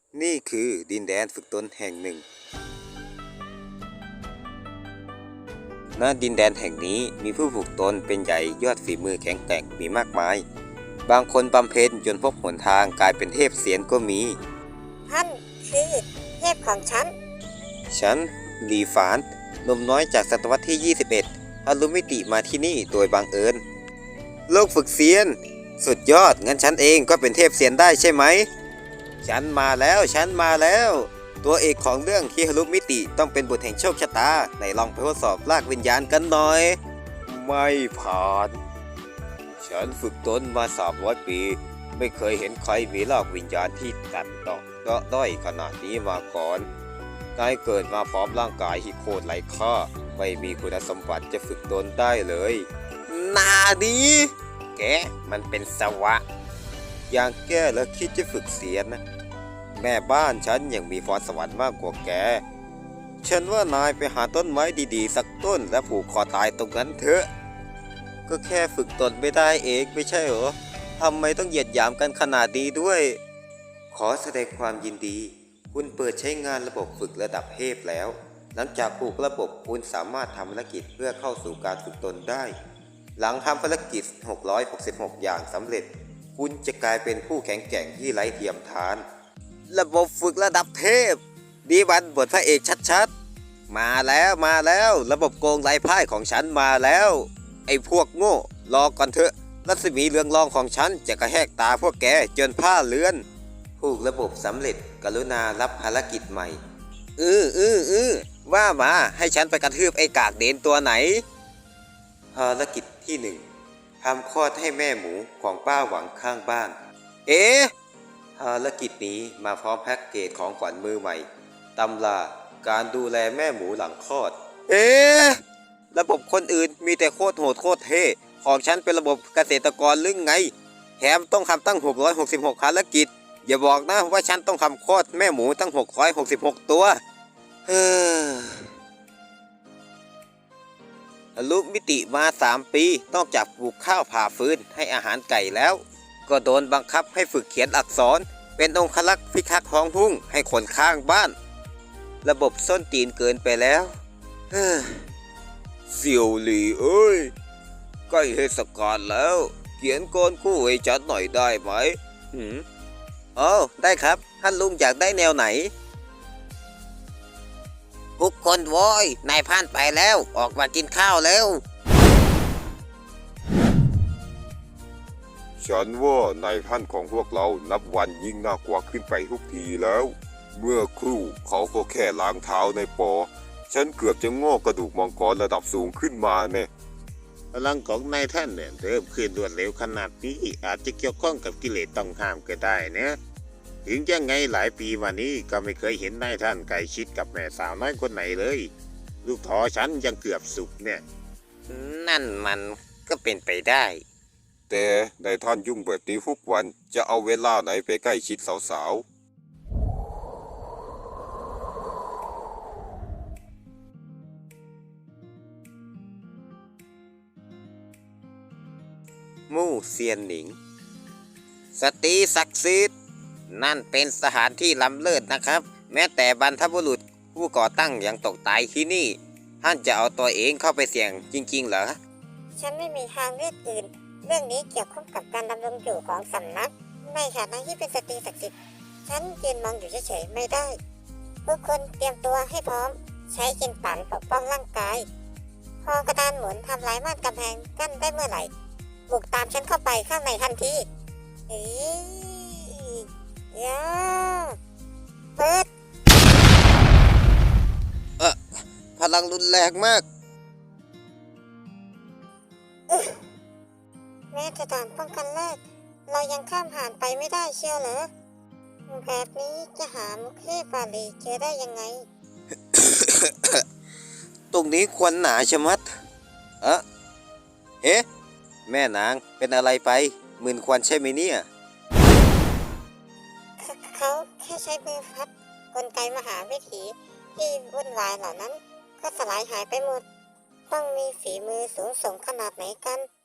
นี่คือดินแดนฝึกตนแห่งหนึ่งณดินแดนแห่งนี้มีผู้ฝึกตนเป็นใหญ่ยอดฝีมือแข็งแกร่งมีมากมายบางคนบำเพ็ญจนพบหนทางกลายเป็นเทพเสียนก็มีท่านคือเทพของฉันฉันลีฝานหนุ่มน้อยจากศตวรรษที่ 21อรุมิติมาที่นี่โดยบังเอิญโลกฝึกเซียนสุดยอดงั้นฉันเองก็เป็นเทพเซียนได้ใช่ไหมฉันมาแล้วตัวเอกของเรื่องฮิฮารุมิติต้องเป็นบุตรแห่งโชคชะตาไหนลองไปทดสอบลากวิญญาณกันหน่อยไม่ผ่านฉันฝึกตนมา300 ปีไม่เคยเห็นใครมีลากวิญญาณที่ตัดต่อก็ด้อยขนาดนี้มาก่อนนายเกิดมาพร้อมร่างกายที่โคตรไร้ค่าไม่มีคุณสมบัติจะฝึกตนได้เลยนาดีแกมันเป็นสวะอย่างแกแล้วคิดจะฝึกเสียนนะแม่บ้านฉันยังมีพรสวรรค์มากกว่าแกฉันว่านายไปหาต้นไม้ดีๆสักต้นและผูกคอตายตรงนั้นเถอะก็แค่ฝึกตนไม่ได้เองไม่ใช่เหรอทำไมต้องเหยียดหยามกันขนาดนี้ด้วยขอแสดงความยินดีคุณเปิดใช้งานระบบฝึกระดับเทพแล้วหลังจากผูกระบบคุณสามารถทำภารกิจเพื่อเข้าสู่การฝึกตนได้หลังทำภารกิจ666อย่างสำเร็จคุณจะกลายเป็นผู้แข็งแกร่งที่ไร้เทียมทานระบบฝึกระดับเทพดีวันบทพระเอกชัดๆมาแล้วระบบโกงไร้พ่ายของฉันมาแล้วไอ้พวกโง่รอก่อนเถอะรัศมีเรืองรองของฉันจะกระแหกตาพวกแกจนผ้าเลือนผูกระบบสำเร็จกรุณารับภารกิจใหม่ว่ามาให้ฉันไปกระทืบไอ้กากเดนตัวไหนภารกิจที่1ทำคลอดให้แม่หมูของป้าหวังข้างบ้านภารกิจนี้มาพร้อมแพ็กเกจของขวัญมือใหม่ตำราการดูแลแม่หมูหลังคลอดระบบคนอื่นมีแต่โคตรโหดโคตรเท่ของฉันเป็นระบบเกษตรกรลึ่งไงแถมต้องทำตั้ง666ภารกิจอย่าบอกนะว่าฉันต้องทำคลอดแม่หมูตั้ง666ตัวทะลุมิติมา3 ปีนอกจากปลูกข้าวผ่าฟืนให้อาหารไก่แล้วก็โดนบังคับให้ฝึกเขียนอักษรเป็นองครักษ์พิทักษ์ท้องทุ่งให้คนข้างบ้านระบบส้นตีนเกินไปแล้วเสี่ยวหลี่เอ้ยใกล้เทศกาลแล้วเขียนกรคู่ให้ฉันหน่อยได้ไหมได้ครับท่านลุงอยากได้แนวไหนทุกคนโว้ยนายพานไปแล้วออกมากินข้าวแล้วฉันว่านายท่านของพวกเรานับวันยิ่งน่ากลัวขึ้นไปทุกทีแล้วเมื่อครู่เขาก็แค่ล้างเท้าในปอฉันเกือบจะงอกกระดูกมังกรระดับสูงขึ้นมาเนี่ยพลังของนายท่านเนี่ยเริ่มขึ้นรวดเร็วขนาดนี้อาจจะเกี่ยวข้องกับกิเลสต้องห้ามก็ได้นะถึงยังไงหลายปีมานี้ก็ไม่เคยเห็นนายท่านใกล้ชิดกับแม่สาวน้อยคนไหนเลยลูกท้อฉันยังเกือบสุกเนี่ยนั่นมันก็เป็นไปได้แต่นายท่านยุ่งแบบนี้ทุกวันจะเอาเวลาไหนไปใกล้ชิดสาวมู่เซียนหนิงสตรีศักดิ์สิทธิ์นั่นเป็นสถานที่ล้ำเลิศนะครับแม้แต่บรรพบุรุษผู้ก่อตั้งยังตกตายที่นี่ท่านจะเอาตัวเองเข้าไปเสี่ยงจริงๆเหรอฉันไม่มีทางเลือกอื่นเรื่องนี้เกี่ยวข้องกับการดำรงอยู่ของสำนักในฐานะที่เป็นสตรีศักดิ์สิทธิ์ฉันยืนมองอยู่เฉยๆไม่ได้ทุกคนเตรียมตัวให้พร้อมใช้กินปั่นปกป้องร่างกายพอกระดานหมุนทำลายม่านกำแพงกั้นได้เมื่อไหร่บุกตามฉันเข้าไปข้างในทันทีย่าเปิดพลังรุนแรงมากแม้จะด่านป้องกันแรกเรายังข้ามผ่านไปไม่ได้เชียวเหรอแบบนี้จะหามุขเทพบาลีเจอได้ยังไงตรงนี้ควรหนาชะมัดแม่นางเป็นอะไรไปมึนควันใช่ไหมเนี่ยเขาแค่ใช้มือพัดกลไกมหาวิถีที่วุ่นวายเหล่านั้นก็สลายหายไปหมดต้องมีฝีมือสูงส่งขนาดไหนกัน